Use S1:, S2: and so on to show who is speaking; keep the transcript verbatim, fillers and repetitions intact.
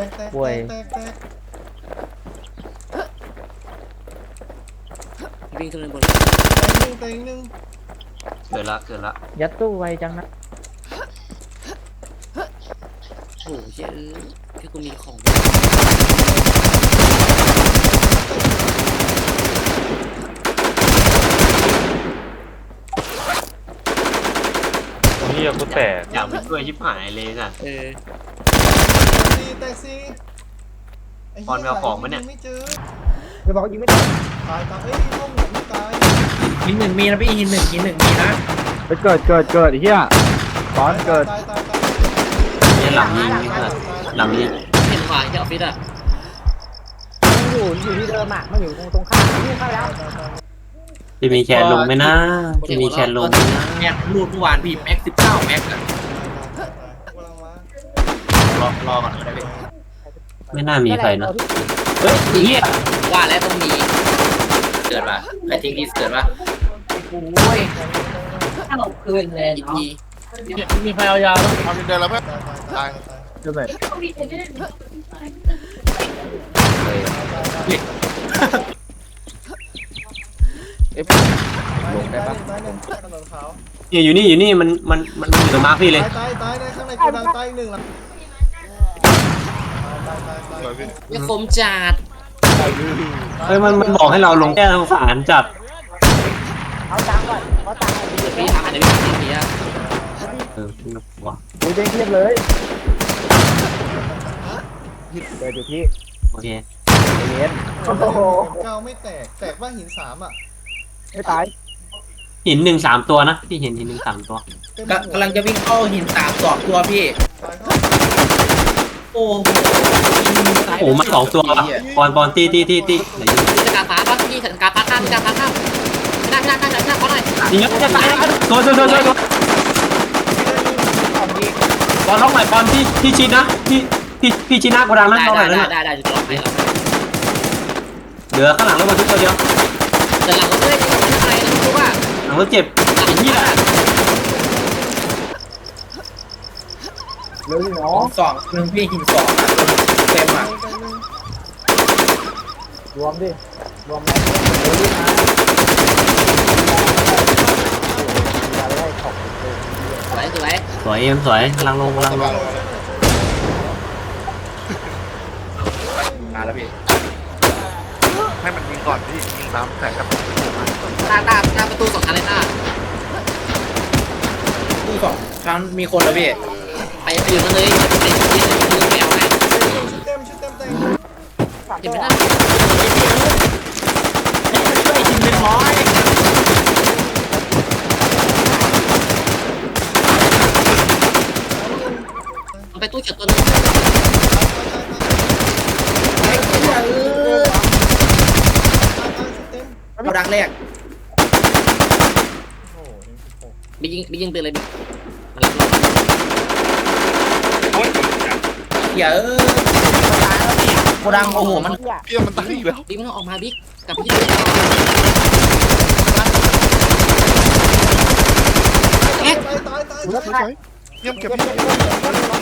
S1: กแตก
S2: ป่วย
S1: แตกแตก
S3: วิ่งขึ้นบน
S1: แตกหนึ่งแตกหนึ่ง
S4: เกิดละเกิดละ
S2: ยัดตู้ไวจังนะ
S3: โอ้โหเชื่อแค่กูมีของ
S5: เฮียกูแตก
S4: อยากไปช่วยชิบหายเลยน่ะ
S3: เออ
S1: สี่แตกสี่ไเหี้ย
S4: บอลไปเอาของมาเนี่ย
S1: ไม่เจอ
S2: จะบอกยิงไม่ได้
S1: ตายตายเอ้ยห้องไหนไม่ตาย
S6: หินหนึ่งมีนะพี่หินหนึ่งหินหนึ่งมีนะ
S2: ไปเกิดเกิดเกิดเฮียตอนเกิด
S1: ตายตายตาย
S4: เนี่ยหลังยิงนี่ค่ะหลังยิง
S3: เห็นขวาที่ออฟฟิศอ่ะ
S2: มันอยู่อยู่ที่เดิมอ่ะมันอยู่ตรงตรงข้ามนี่เข้าแล้ว
S4: จะมีแชร์ลงไหมนะจะมีแชร์ลงไหมนะ
S6: แม็กรูดเมื่อวานพี่แม็กสิบเก้าแม็กอะ
S1: กำลังมาร
S6: อรอก่อนก็ได้พี่
S4: ไม่น่ามีใครนะเฮ้ยเฮีย
S3: ว่าแล้วต้องมี
S6: เกิดป่ะใครทิ้งที่เกิดป่ะ
S3: โอ้ยถ้าเราคืนเลยอีกที
S5: มีใครเอายาแล้ว
S7: ทำดินเดินแล้วเพื่อน
S1: ตายตาย
S2: เดี๋ยวไป
S1: ลงได้ปะตายหนึ่งถนนขาว
S4: เนี่ยอยู่นี่อยู่นี่มันมันมันอยู่ตรงมาร์คพี่เลย
S1: ตายตายตายในข้างในกูดังตายอีกหนึ่งละตายตายตาย
S7: สวยพี่
S3: ไม่คมจัด
S4: เฮ้ยมันมันบอกให้เราลงแก้ทางสารจัด
S2: เอาตังก่อนเอาตังก่อน
S3: เดี๋ยวพี่ทำอันนี้พี่ทำทีอ่ะ
S4: เออว่ะ
S2: ดูเด้งเทียบเลยเกิดอยู่ที่
S4: โอเค
S2: เย็นโอ้โห
S1: เก้าไม่แตกแตกว่าหินสามอ่ะ
S2: ไม่ตาย
S4: หินหนึ่งสามตัวนะพี่เห็นหินหนึ่งสามตัว
S1: เต็ม
S6: กำกำลังจะวิ่งเข้าหินสามสองตัวพี่
S1: ตายเข้า
S6: โอ้โห
S4: โอ้มาสองตัวว่ะบอลบอลตีตีตีตีไหน
S3: พี่จะการฟ้าป่ะพี่จะการฟ้าข้ามจะการฟ้าข้ามไม่ได้ไม่ได้ไม่ได้ไม่ได้เพราะอะไร
S4: ยิงแล้วจะตายตัวตัวตัวตัวบอลล็อกใหม่บอลที่ที่ชิดนะที่ที่ที่ชิดหน้ากระดังนะ
S3: ได้
S4: ล็อกใหม่
S3: ได้
S4: นั่น
S3: ได้
S4: น่ะ
S3: ได้ได้จะตลอดไปแล้ว
S4: เหลือข้างหลังแล้วมาทุกตัวเดียว
S3: แต่หลังเราไม่ได้ไม่อะไรนะรู้ว่า
S4: หลังรถเจ็บ
S3: หลัง
S4: ไอ้เหี้ย
S2: เร็วสิเนาะ
S6: สองหนึ่งพี่หินสองอะเต็มอ่ะ
S2: รวมดิรวมแล้วเร็วดินะอย่าไล่ของ
S3: สวยสวย
S4: สวยเอ็มสวยกำลังลงกำลังลง
S6: มาแล้วพี่
S7: ให้มันยิงก่อนพี่ยิงน้ำแตกกับ
S3: ตาตาตาประตูสองชั้นเลยตา
S6: ตู้สองชั้นมีคนแล้วพี่
S3: ไปอื่นมาเลยไปยืนมือแมวไง
S1: ชุดเต็มชุดเต็มเต็ม
S3: เห็นไหมล่ะ
S6: ช่วยหินเป็นร้อย
S3: มันไปตู้เฉียดตัวนึง
S6: ไอ้เหี้ยเออ
S1: ชุดเต็ม
S6: เอาดังแรก
S1: โอ้โหเอ็มสิบหก
S3: ไปยิงไปยิงปืนเลยมันรับ
S6: เหี้ยเออโกดังโอ้โหมัน
S7: เพี้ยมันตายอีกแล้ว
S3: บิ๊กมันออกมาบิ๊กกลับไปที่เอ๊ะ
S1: ตายตายตาย
S7: สวยๆเยี่ยมเก็บพี่